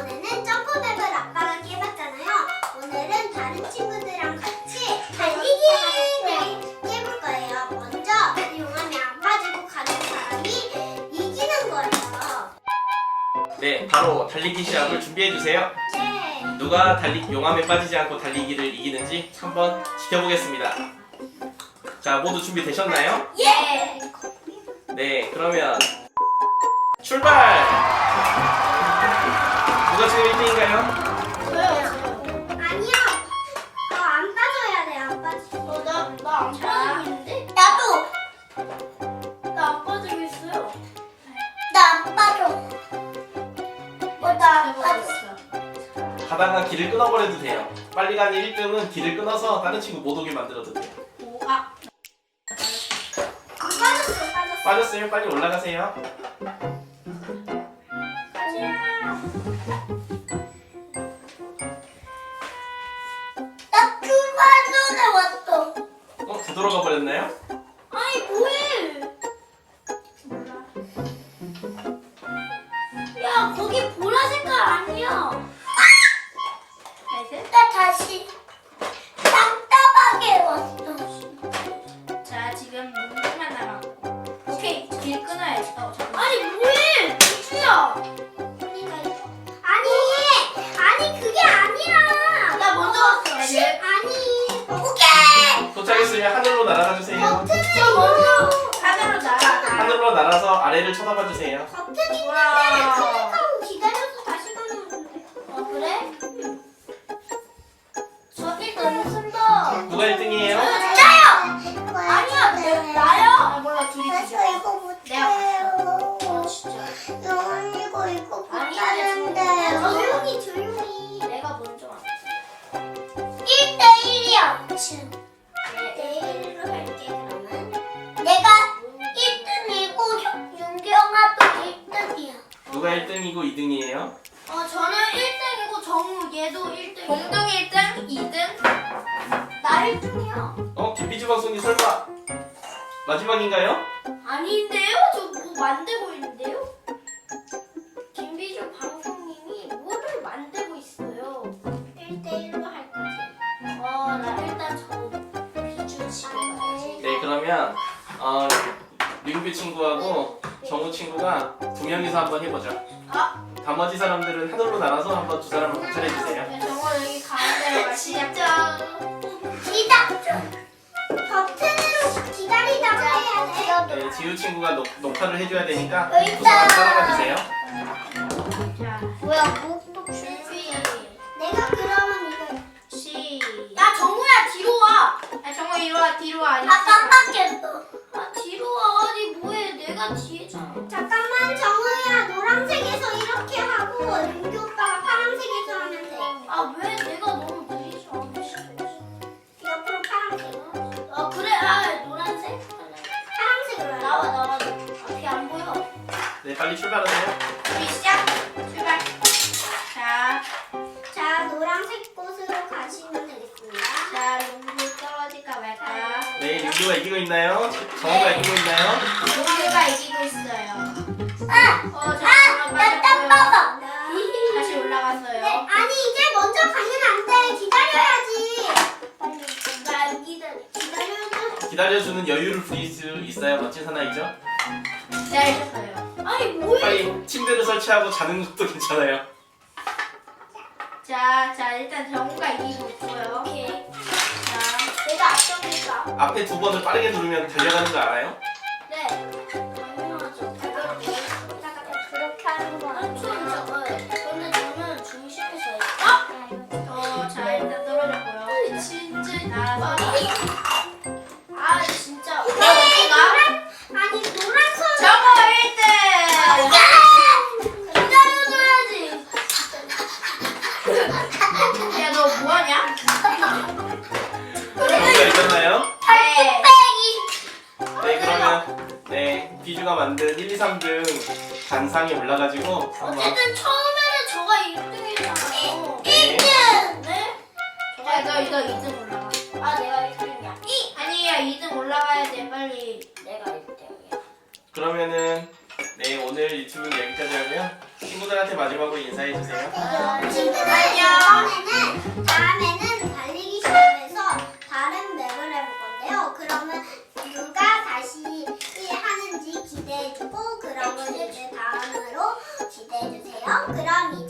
저번에는 점프맵을 아빠가 깨봤잖아요. 오늘은 다른 친구들이랑 같이 달리기를 깨볼 거예요. 먼저 용암이 안 빠지고 가는 사람이 이기는 거예요. 네, 바로 달리기 시합을 준비해주세요. 네. 누가 용암에 빠지지 않고 달리기를 이기는지 한번 지켜보겠습니다. 자, 모두 준비되셨나요? 예. 네, 그러면 출발! 누가 지금 1등인가요? 저요. 아니요. 안 빠져야 돼. 안 빠져. 나 안 빠지고 있는데? 나도. 나 안 빠지고 있어요. 나 안 빠져. 나 안 빠져. 가다가 길을 끊어버려도 돼요. 빨리 가는 1등은 길을 끊어서 다른 친구 못 오게 만들어도 돼요. 빠졌어. 빠졌어요? 빨리 올라가세요. 나 그만 전에 왔어. 되돌아가 버렸나요? 아니 뭐해? 야 거기 보라 색깔 아니야. 나 다시 답답하게 왔어. 자 지금 문만 나가고. 오케이 길 끊어야지. 아니 뭐해? 우주야. 아니 그게 아니라. 나 먼저 왔어. 아니. 오케이. 도착했으면 하늘로 날아가 주세요. 버튼을 저 먼저 하늘로 날아. 하늘로 날아서 아래를 쳐다봐 주세요. 버튼 있는데 와. 클릭하고 기다려서 다시 가면 돼. 그래? 저 일단 쓴다. 누가 1등이에요? 나요. 아니야 나야. 몰라 둘이 저 이거 못해요. 진짜. 이거 못하는데요. 조용히. 내가 먼저 왔어. 1대1이야. 1대1로 할게 그러면. 내가 1등이고 윤경아도 1등이야. 누가 1등이고 2등이에요? 저는 1등이고 정우 얘도 1등. 공동 1등, 2등. 나 1등이야. 김비주 방송님 설마 마지막인가요? 아닌데요? 저 뭐 만들고 있는데요? 김비주 방송님이 뭐를 만들고 있어요. 1대1로 할 거지. 나 일단 저 비주 집에 가야지. 네, 그러면 민규 친구하고 정우 친구가 2명이서 한번 해보죠. 나머지 사람들은 하늘로 날아서 한번 두 사람을 관찰해 주세요. 정우 여기 가운데로 가시죠. 버튼으로 기다리다가 해야 돼. 네, 지우 친구가 녹화를 해줘야 되니까 여기 두 사람 있다. 따라가 주세요. 자, 뭐야, 목도 준비. 내가 그러면 이거. 야 정우야 뒤로 와. 정우 이리 와 뒤로 와. 깜빡했어. 뒤로 와. 아니 뭐해? 내가 뒤에잖아. 잠깐만, 정우야, 노란색에서 이렇게 하고 윤기 오빠가 파란색에서 하면 돼. 왜 내가 너무 느리지 않으시고? 옆으로 파란색. 그래. 노란색. 파란색으로 나와. 앞이 안 보여. 네, 빨리 출발하세요. 우리 시작. 출발. 자, 노란색 곳으로 가시면 되겠습니다. 자 롱블 떨어질까 말까. 네, 민규가 이기고 있나요? 정우가 이기고 있나요? 롱블가 이기고 있어요. 나 땀 봐봐. 다시 올라갔어요. 네, 아니 이제 먼저 가면 안 돼. 기다려야지. 나 기다려. 기다려야지. 기다려주는 여유를 부릴 수 있어요, 멋진 사나이죠? 네, 알겠어요. 아니 뭐해? 빨리 침대를 설치하고 자는 것도 괜찮아요. 자 일단 정우가 이기고 있고요. 오케이. 자, 내가 앞서니까. 앞에 두 번을 빠르게 누르면 달려가는 거 알아요? 네. 당연하죠. 그렇게 하는 거 근데 저는 중심에서 자 일단 떨어졌고요. 진짜 날아서. 진짜. 어디가? 아니 노란 선. 정우 1등. 기다려줘야지. 야 너 뭐하냐? 정우가 이겼나요? 네. 네, 그러면 네, 비주가 만든 1, 2, 3등 단상에 올라가지고 한번 어쨌든 처음에는 저가 1등이잖아요. 네, 네? 너 2등 올라가. 내가 1등이야. 아니야 2등 올라가야 돼 빨리. 내가 1등이야. 그러면은 네, 오늘 유튜브는 여기까지 하고요. 친구들한테 마지막으로 인사해 주세요. 친구들 다음에는 달리기 시합에서 다른 맵을 해볼 건데요. 그러면 누가 다시 하는지 기대해주고 그러면 이제 다음으로 기대해주세요. 그럼